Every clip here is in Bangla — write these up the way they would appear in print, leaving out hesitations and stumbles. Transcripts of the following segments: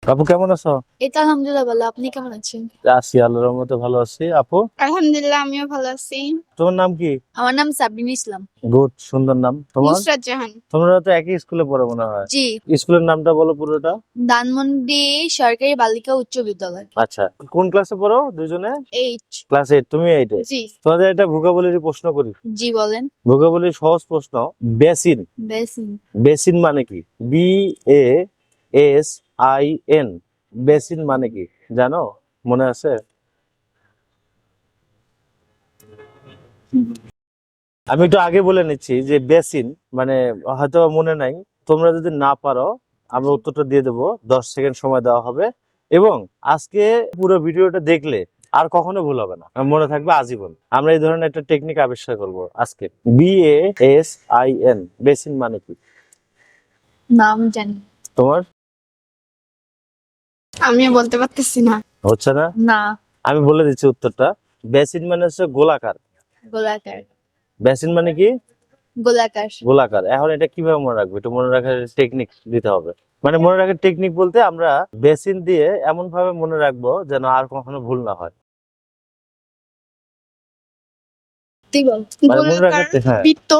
আপু কেমন আছো? এই তো আলহামদুলিল্লাহ ভালো। আপনি কেমন আছেন? আছি, আল্লাহর রহমতে ভালো আছি। আপু, আলহামদুলিল্লাহ, আমিও ভালো আছি। তোমার নাম কি? আমার নাম সাবরিন ইসলাম। গুড, সুন্দর নাম তোমার। নুসরাত জাহান। তোমরা তো একই স্কুলে পড়ো মনে হয়। জি। স্কুলের নামটা বলো পুরোটা। ধানমন্ডি সরকারি বালিকা উচ্চ বিদ্যালয়। আচ্ছা, কোন ক্লাসে পড়ো দুজনে? 8। ক্লাস 8, তুমি 8 এ। জি। তোমাদের একটা ভোকাবুলারি প্রশ্ন করি। জি বলেন। ভোকাবুলারি সহজ প্রশ্ন। বেসিন। বেসিন। বেসিন মানে কি? BASIN। বেসিন মানে কি জানো? মনে আছে? আমি একটু আগে বলে নিচ্ছি যে বেসিন মানে হয়তো মনে নাই। তোমরা যদি না পারো, আমরা উত্তরটা দিয়ে দেবো। 10 সেকেন্ড সময় দেওয়া হবে এবং আজকে পুরো ভিডিওটা দেখলে আর কখনো ভুল হবে না, মনে থাকবে আজীবন। আমরা এই ধরনের একটা টেকনিক আবিষ্কার করব আজকে। BASIN, বেসিন মানে কি নাম জানি তোমার? আমিও বলতে পারতেছি না। হচ্ছে না? না। আমি বলে দিচ্ছি উত্তরটা। বেসিন মানে হচ্ছে গোলাকার। গোলাকার। বেসিন মানে কি? গোলাকার। গোলাকার। এখন এটা কিভাবে মনে রাখবো? এটা মনে রাখার টেকনিক দিতে হবে। মানে মনে রাখার টেকনিক বলতে আমরা বেসিন দিয়ে এমন ভাবে মনে রাখবো যেন আর কখনো ভুল না হয়। তুই বল। মানে মনে গোলাকার রাখার হ্যাঁ। বৃত্ত।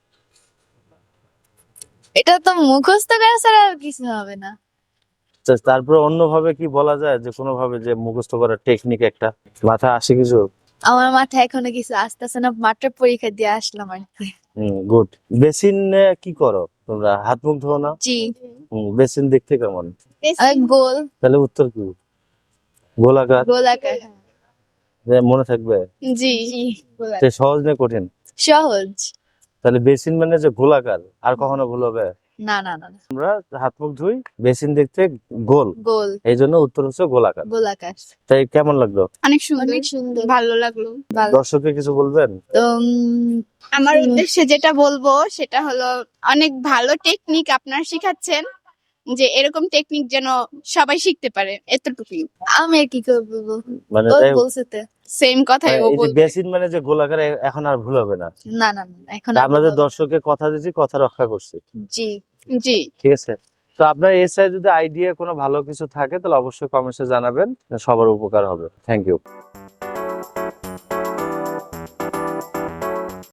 এটা তো মুখস্থ করা ছাড়া আর কিছু হবে না। তারপরে অন্যভাবে কি বলা যায়, যে কোনো ভাবে যে মুখস্থ করার টেকনিক একটা মাথায় আসে কিছু? আমার মাথায় এখনো কিছু আসতেছে না, মাত্র পরীক্ষা দিয়ে আসলাম আর কি। গুড। বেসিন কি করো তোমরা? হাত মুখ ধো না? জি। বেসিন দেখতে কেমন? গোল। তাহলে উত্তর কি? গোলাকার। গোলাকার। মনে থাকবে? জি। জি। সে সহজ না কঠিন? সহজ। তাহলে বেসিন মানে যে গোলাকার, আর কখনো ভুল হবে? না না না না। আমরা হাত মুখ ধুই, বেসিন দেখতে গোল, গোল। এই জন্য উত্তর হচ্ছে গোলাকার। গোলাকার। তাই কেমন লাগলো? অনেক সুন্দর। অনেক সুন্দর। ভালো লাগলো। ভালো। দর্শককে কিছু বলবেন? তো আমার উদ্দেশ্যে যেটা বলবো সেটা হলো, অনেক ভালো টেকনিক আপনারা শিখাচ্ছেন, যে এরকম টেকনিক যেন সবাই শিখতে পারে, এতটুকুই। আমি আর কি করবো? মানে ও তাই বলছে তো। সেম কথাই ও এই যে বলবে। বেসিন মানে যে গোলাকার, এখন আর ভুল হবে না। না না না, এখন তা আর আমাদের বলবো না। দর্শককে কথা দিয়েছি, কথা রক্ষা করছি। জি। জি। ঠিক আছে। তো আপনার এই সাইড যদি আইডিয়া কোনো ভালো কিছু থাকে তাহলে অবশ্যই কমেন্টসে জানাবেন, সবার উপকার হবে। Thank you.